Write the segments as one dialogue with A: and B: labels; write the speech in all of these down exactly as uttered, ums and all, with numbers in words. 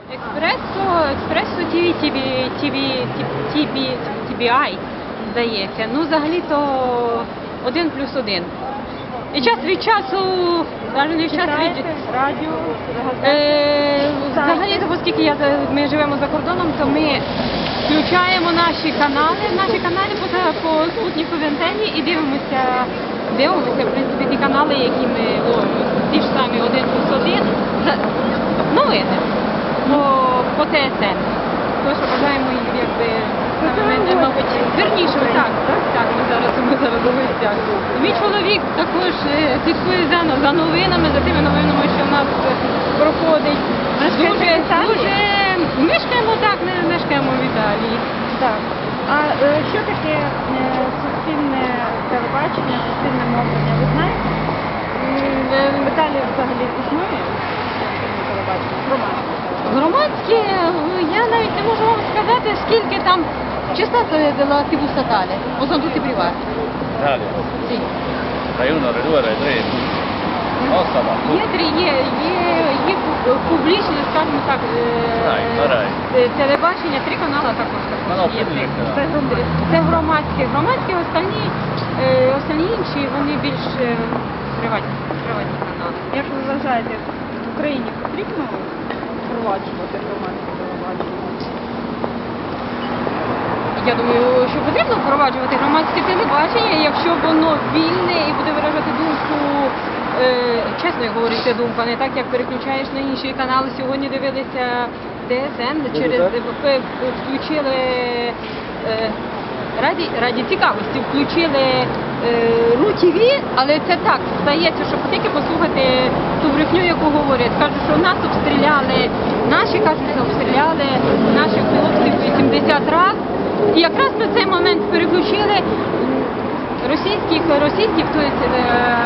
A: Експресо, експресо ТВ, ТВ, ТВ, ТВ, ТВ, здається. Ну, взагалі-то один плюс один. І час від часу, навіть не час від...
B: радіо,
A: Е, взагалі-то, оскільки я, за- ми живемо за кордоном, то ми включаємо наші канали, наші канали по, по спутниковій антенні і дивимося, дивимося, в принципі, ті канали, які ми, о, ті ж самі один плюс один, за- новини по, по ТСН. Тому що бажаємо їх, якби, ми, мабуть, вірніше, так, так, так, ми зараз, ми зараз у гостях. Мій чоловік також е, слідкує за, за новинами, за тими новинами, що в нас е, проходить. Дуже, дуже, мешкаємо, так, ми мешкаємо в Італії.
B: Так. А е, що таке е, суспільне телебачення, суспільне мовлення? Ви знаєте? В Італії взагалі існує суспільне телебачення, громадське?
A: Громадське, я навіть не можу вам сказати, скільки там частота della ТВ statale, o sono tutti privati?
C: Italia,
A: Sì.
C: Rai uno, Rai due, Rai tre. Nostra va.
A: Є, три- є, є, є пу- публічне, скажімо так, е,
C: Рай, на рай.
A: е, телебачення, три канали також.
C: Ну, ну,
A: також є.
C: публічне, да.
A: Це, гром- це громадське. Громадське, останні, е, останні інші, вони більш е, приватні, приватні канали.
B: Як ви вважаєте, в Україні потрібно впроваджувати громадське телебачення?
A: Я думаю, що потрібно впроваджувати громадське телебачення, якщо воно вільне і буде виражати думку, е, чесно як говориться, думка, не так, як переключаєш на інші канали. Сьогодні дивилися ТСН, через ВП включили е, раді, раді цікавості, включили е, РУ-ТВ, але це так, здається, що тільки послухати ту брехню, яку говорять. Кажуть, що нас обстріляли, наші кажуть, що обстріляли наших хлопців вісімдесят разів. І якраз на цей момент переключили м, російських, російських, то есть, е,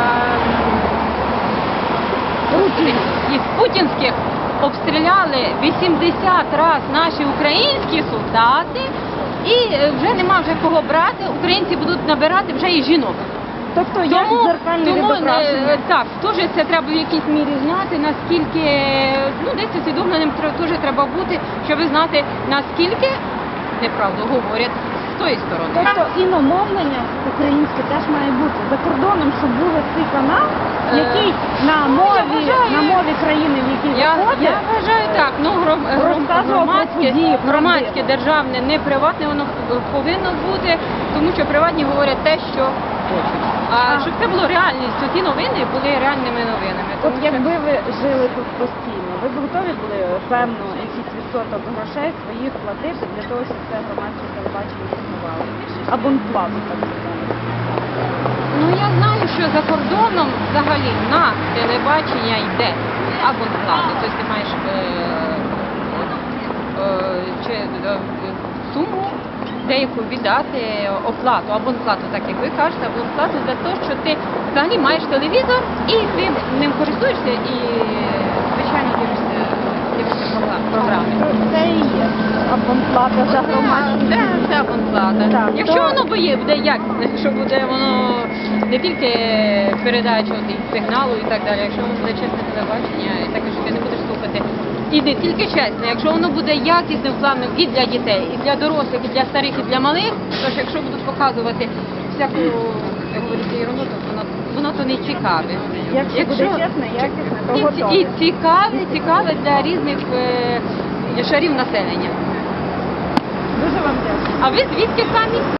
A: і путінських обстріляли вісімдесят разів наші українські солдати, і е, вже нема вже кого брати, українці будуть набирати вже і жінок.
B: Тобто як дзеркальне
A: тому е,
B: відображення?
A: так, теж це треба в якійсь мірі знати, наскільки, ну десь усвідомленим тр- теж треба бути, щоб знати, наскільки неправду говорять з тої сторони.
B: Тобто іномовлення українське теж має бути. За кордоном, щоб був цей канал,
A: Е,
B: який на
A: ну, я
B: мові,
A: вважаю-
B: на мові країни, в якій
A: Я,
B: виходить,
A: я вважаю так, ну гром, гром,
B: Розказував про
A: громадське,
B: події,
A: громадське,
B: правдиво.
A: державне, не приватне, воно повинно бути, тому що приватні говорять те, що хочуть. А,
B: А.
A: щоб це було реальністю, ті новини були реальними новинами.
B: от
A: Тому що-
B: якби ви жили тут постійно, ви б готові були певно якийсь відсоток грошей своїх платити для того, щоб це громадське телебачення існувало? Абонплату, так сказати.
A: Ну я знаю, що за кордоном взагалі на телебачення йде абонплата. Тобто ти маєш е, е, чи, е, суму деяку віддати оплату, абонплату, так як ви кажете, абонплату за те, що ти взагалі маєш телевізор і ти ним користуєшся і, звичайно, дивишся, дивишся програ- програми.
B: Це і є абонплата за громадське.
A: Це, це абонплата.
B: Так,
A: Якщо
B: то-
A: воно буде, буде якісне, якщо буде воно не тільки передача от, і сигналу і так далі, якщо воно буде чесне телебачення, і таке, що ти не будеш слухати. І не тільки чесне, якщо воно буде якісним планом і для дітей, і для дорослих, і для старих, і для малих, то ж якщо будуть показувати всяку, як говориться, ерунду, то воно, воно то не цікаве.
B: Якщо буде чесне, якісне, то
A: і,
B: готові.
A: і цікаве, цікаве для різних е, шарів населення.
B: Дуже вам дякую.
A: А ви звідки самі?